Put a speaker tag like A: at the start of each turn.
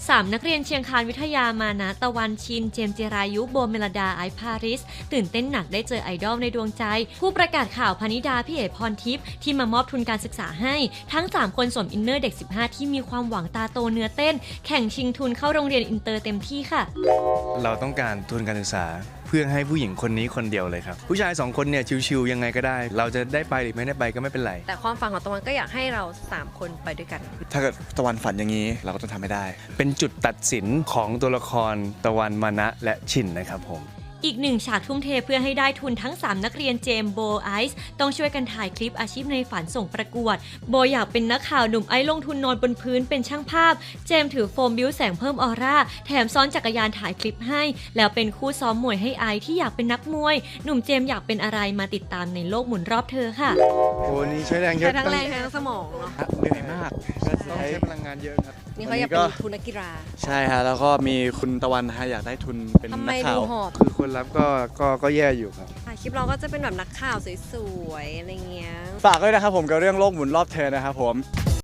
A: 3 นักเรียนเชียงคานวิทยามานะตะวันชิน เจมส์จิรายุ โบเมลดา ไอซ์พาริส ตื่นเต้นหนักได้เจอไอดอลในดวงใจ ผู้ประกาศข่าวพนิดา พี่เอ๋พรทิพย์ที่มามอบทุนการศึกษาให้ ทั้ง 3 คนสวมอินเนอร์เด็ก 15 ที่มีความหวังตาโตเนื้อเต้น แข่งชิงทุนเข้าโรงเรียนอินเตอร์เต็มที่ค่ะ
B: เราต้องการทุนการศึกษาเพื่อให้ผู้หญิงคนนี้คนเดียวเลยครับผู้ชาย2 คนเนี่ยชิวๆยังไงก็ได้ เราจะได้ไปหรือไม่ได้ไปก็ไม่เป็นไร
C: แต่ความฝันของตะวันก็อยากให้เรา3คนไปด้วยกัน
D: ถ้าเกิดตะวันฝันอย่างนี้เราก็ต้องทำให้ได้
B: เป็นจุดตัดสินของตัวละครตะวันมานะและฉินนะครับผม
A: อีกหนึ่งฉากทุ่มเทเพื่อให้ได้ทุนทั้ง 3 นักเรียนเจมส์โบไอซ์ต้องช่วยกันถ่ายคลิปอาชีพในฝันส่งประกวด โบอยากเป็นนักข่าวหนุ่มไอซ์ลงทุนนอนบนพื้นเป็นช่างภาพ เจมส์ถือโฟมบิ้วแสงเพิ่มออร่า แถมซ้อนจักรยานถ่ายคลิปให้ แล้วเป็นคู่ซ้อมมวยให้ไอซ์ที่อยากเป็นนักมวย หนุ่มเจมส์อยากเป็นอะไรมาติดตามในโลกหมุนรอบเธอค่ะ
D: โอ้นี่ใช้แรงเย
C: ใช้
D: อะ
C: ทั้งแรงทั้งสมองเนาะ
D: เหนื่อยมาก
B: ต้องใช้พลังงานเยอะครับ
C: นี่เขาอยากเป็นทุนนักกีฬา
D: ใช่ฮะแล้วก็มีคุณตะวันนะฮะอยากได้ทุนเป็น
C: ทำ
D: นั
C: ไม
D: กข่า
C: ดู
D: ว
C: หอบ
B: คือคนรับก็แย่อยู่ครับ
C: คลิปเราก็จะเป็นแบบนักข่าวสวยๆอะไรเงี้ย
D: ฝากด้วยนะครับผมกับเรื่องโลกหมุนรอบเธอนะครับผม